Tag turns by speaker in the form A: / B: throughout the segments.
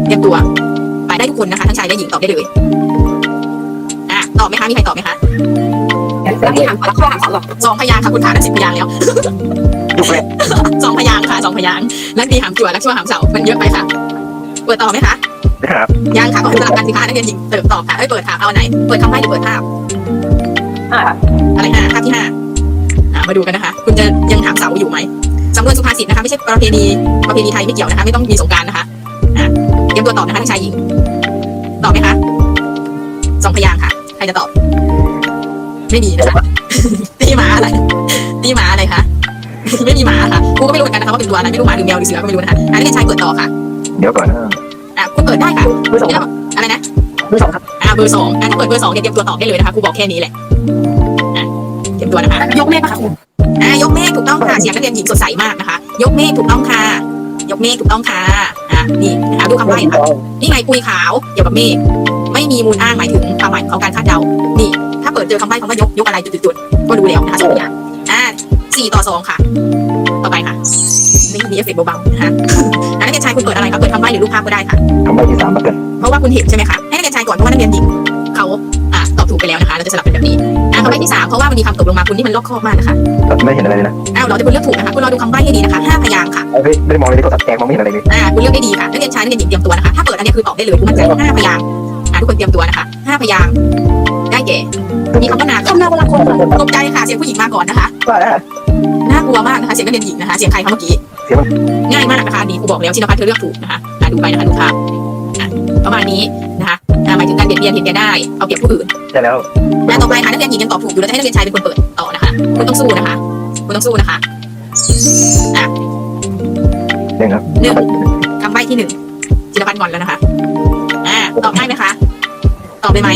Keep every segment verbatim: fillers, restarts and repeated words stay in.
A: เตรียมตัวไปได้ทุกคนนะคะทั้งชายและหญิงตอบได้เลยอ่ะตอบไหมคะมีใครตอบไหมคะแล้วนี่ถามข้อถามสองหรอสองพยางค์ค่ะคุณขาได้สิบพยางค์แล้วสองพยางค์ค่ะสองพยางค์นักดีหามจั่วนักชั่วหามเสามันเยอะไปค่ะเปิดต่อไหมคะ
B: ครับ
A: ยังค่ะก็คือสลับกันสิคะนักเรียนหญิงเติมตอบค่ะให้เปิดถามเอาไหนเปิดคำใบ้หรือเปิดภาพ
C: ห้า
A: อะไรห้าภาพที่ห้าอ่ามาดูกันนะคะคุณจะยังถามเสาอยู่ไหมสำนวนสุภาษิตนะคะไม่ใช่ประเพณีประเพณีไทยไม่เกี่ยวนะคะไม่ต้องมีสงกรานต์นะคะอ่าเตรียมตัวตอบนะคะทั้งชายหญิงตอบไหมคะสองพยางค์ค่ะใครจะตอบไม่มีนะคะตีหมาอะไรตีหมาอะไรคะไม่มีหมาค่ะกูก็ไม่รู้เหมือนกันนะคะว่าเป็นตัวอะไรไม่รู้หมาหรือแมวหรือเสือก็ไม่รู้นะคะอันนี้เป็นชายเปิดต่อค่ะ
B: เดี๋ยวก่อนนะ
A: อ่ะคุณเปิดได้ค่ะ
C: เบอร์สอง
A: อะไรนะ
C: เบอร์สองครับ
A: อ่าเบอร์สองอ่ะถ้าเปิดเบอร์สองเนี่ยเตรียมตัวตอบได้เลยนะคะครูบอกแค่นี้แหละอ่ะเตรียมตัวนะคะ
C: ยกเมฆป่ะคะครู
A: อ่ายกเมฆถูกต้องค่ะเสียงนักเรียนหญิงสดใสมากนะคะยกเมฆถูกต้องค่ะยกเมฆถูกต้องค่ะอ่ะนี่นะคะดูคำใบ้ค่ะนี่ไงปุยขาวเกี่ยวกับเมฆไม่มีมูลอ้างหมายถึงความหมายของการคาดเดานี่ถ้าเปิดเจอคำใบ้คำว่ายกยกอะไรจุดๆก็รู้แล้วนะคะสองอย่างอ่าสี่ต่อสองค่ะต่อไปค่ะนี่มีเอฟเฟกต์เบาๆนะคะนักเรียนชายคุณเปิดอะไรคะเปิดคำใบ้หรือรูปภาพก็ได้ค่ะ
B: คำใบ้ที่สามมาเกิน
A: เพราะว่าคุณเห็นใช่ไหมคะให้นักเรียนชายก่อนเพราะว่านักเรียนหญิงเขาอ่าตอบถูกไปแล้วนะคะเราจะสลับเป็นแบบนี้อ่าคำใบ้ที่สามเพราะว่ามันมีคำตกลงมาคุณที่มันลอกคอบมากนะคะ
B: ไม่เห็นอะไรเลยนะ
A: อ้าวเราจะคุณเลือกถูกนะคะคุณรอดูคำใบ้ให้ดีนะคะห้าพยางค์ค่ะ
B: ไม่ได้มองเลยก็ตัดแจงมองไม่เห็นอะไรเลย
A: อ่าคุณเลือกได้ดีค่ะนักเรียนชายนักเรียนหญิงเตรียมตัวนะคะถ้าเปิดอันนี้คือตอบได้เลยคุณมั่นใจห้าพยางค์อ่าทุกคนเตรียมตัวนะคะห้าพยางค์ได้แก่มีคำว่านา
C: คำนาบนหลังคน
A: ตกใจค่ะเสียงผู้หญิงมาก่อนนะคะ
B: ว่าแล้ว
A: น่ากลัวมากนะคะเสียงนักเรียนหญิงนะคะเสียงใครคะเมื่อกี้
B: เสียง
A: ง่ายมากนะคะนี่ครูบอกแล้วชินภัทรเธอเลือกถูกนะคะอ่าดูไปนะคะดูภาพอ่าประมาณนี้นะคะอ่าหมายถึงการเบียดเบียนเห็นแก่ได้เอาเปรียบผู้อื่น
B: ใช่แล้ว
A: อ่าต่อไปค่ะนักเรียนหญิงยังตอบถูกอยู่แล้วให้นักเรียนชายเป็นคนเปิดต่อนะคะคุณต้องสู้นะคะคุณต้องสู้นะคะอ่ะ
B: หนึ่งครับ
A: หนึ่งคำใบ้ที่หนึ่งชินภัทรงอนแล้วนะคะอ่าตอบได้ไหมคะตอบได้ไหม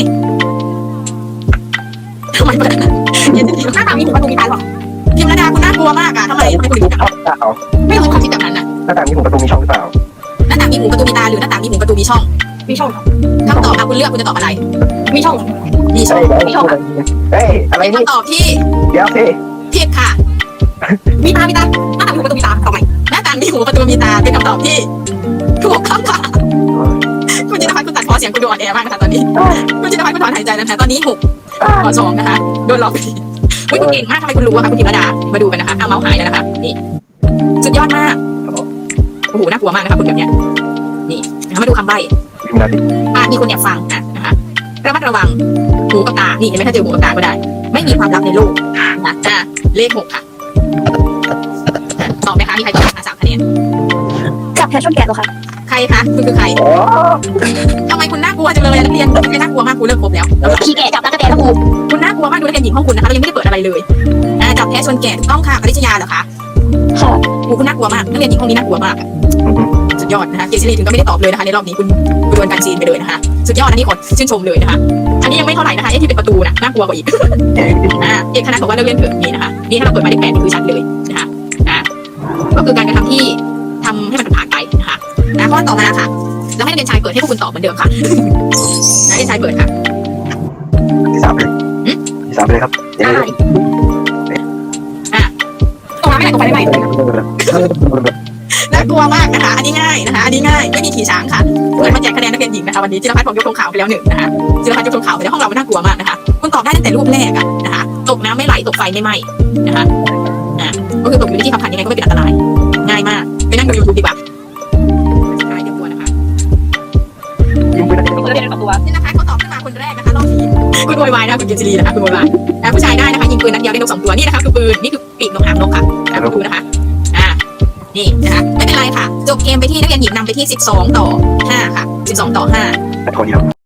A: ทำไมเปิดหน้าตามีหูประตูมีตาหรอพิมพ์ระดาคุณน่ากลัวมากอะทำไมทำไมคุณถึงแบบไม่รู้ความคิดแบบนั้นนะ
B: หน้าต่างมีหูประตูมีช่องหรือเปล่า
A: หน้าต่างมีหูประตูมีตาหรือหน้าต่างมีหูประตูมีช่อง
C: มีช่อง
A: คำตอบค่ะคุณเลือกคุณจะตอบอะไร
C: มีช่อง
A: มีช่อง
B: มีช่องเฮ้ยอะไรนี่
A: คำตอบที่
B: เดี๋ยวสิ
A: ผิดค่ะ
C: มีตามีตาหน้าต่างมีหูประตูมีตาทำไม
A: หน้าต่างมีหูประตูมีตาเป็นคำตอบที่ถูกต้องค่ะคุณจินตภัทรคุณตัดพอเสียงคุณดูอ่อนแอมากนะคะตอนนี้คุณจินตภัทรคุณถอนหายใจนะคะตอนนี้หกต่อสองนะคะโดนหลอกไปทีเฮ้ยคุณเก่งมากทำไมคุณรู้ว่าคะคุณพิมพ์ระดามาดูกันนะคะเอาเมาส์หายแล้วนะคะนี่สุดยอดมากโอ้โหน่ากลัวมากนะคะคุณแบบเนี้ยนี่นะคะมาดูคำใบ้อาจมีคนแอบฟังอ่ะนะคะระมัดระวังหูกับตานี่เห็นไหมถ้าเจอหูกับตาก็ได้ไม่มีความลับในโลกนะอ่ะเลขหกค่ะตอบไหมคะมีใครตอบคะสามคะแนน
C: จับแพชชั่นแกะหรอคะ
A: ใครคะคุณคือใครทำไมคุณน่ากลัวจังเลยนักเรียนไม่น่ากลัวมากคุณเลิกครบแล้ว
C: ขี้แกะจับตะกะแตนแล้วครู
A: คุณน่ากลัวมากดูนักเรียนหญิงห้องคุณนะคะเรายังไม่ได้เปิดอะไรเลยอ่าจับแพ้ชนแกะถูกต้องค่ะปริชยาเหรอคะ
C: ค่ะ
A: คุณคุณน่ากลัวมากนักเรียนหญิงห้องนี้น่ากลัวมากสุดยอดนะคะเกซิลีถึงก็ไม่ได้ตอบเลยนะคะในรอบนี้คุณคุณโดนการซีนไปเลยนะคะสุดยอดอันนี้ขอชื่นชมเลยนะคะอันนี้ยังไม่เท่าไหร่นะคะไอ้ที่เป็นประตูน่ะน่ากลัวกว่าอีกอ่าเอกคณะบอกว่านักเรียนเถอะนี่นะคะนี่ถ้าเราเปิดมาได้แปดนี่คือชัดเลยนะคะอ่าก็คือการกระทำที่ทำให้มันผ่านไปนะคะนะข้อต่อมาค่ะแล้วให้นักเรียนชายเปิดให้พวกคุณตอบเหมือนเดิมค่ะนักเรียนชายเปิดค่ะ
B: ที่สามเลยที่สามเลยครับ
A: ได้อ่ะตรงนั้นไม่ได้ตรงไปได้ไหมน่ากลัวมากนะคะอันนี้ง่ายนะคะอันนี้ง่ายไม่มีขี่ช้างค่ะเปิดมาแจกคะแนนนักเรียนหญิงนะคะวันนี้จิรพัฒน์ผมยกธงขาวไปแล้วหนึ่งนะคะจิรพัฒน์ยกธงขาวไปแล้วห้องเรามันน่ากลัวมากนะคะคุณตอบได้ตั้งแต่รูปแรกอะนะคะตกน้ำไม่ไหลตกไฟไม่ไหม้นะคะอ่ะก็คือตกอยู่ในที่ขับขันยังไงก็ไม่เป็นอันตรายง่ายมากไปนั่งดูยูทูบดีกว่า
C: เรียนกับตัว
A: นี่นะคะเขาตอบขึ้นมาคนแรกนะคะรอบนี้คุณโวยวายนะคุณเกจิลีนะคะคุณโวยวายผู้ชายได้นะคะยิงปืนนัดเดียวได้นกสองตัวนี่นะคะคือปืนนี่คือปีกนกหางนกค่ะนะคุณดูนะคะอ่านี่นะคะไม่เป็นไรค่ะจบเกมไปที่นักเรียนหญิงนำไปที่สิบสองต่อห้าค่ะสิบสองต่อห้า
B: คนเดียว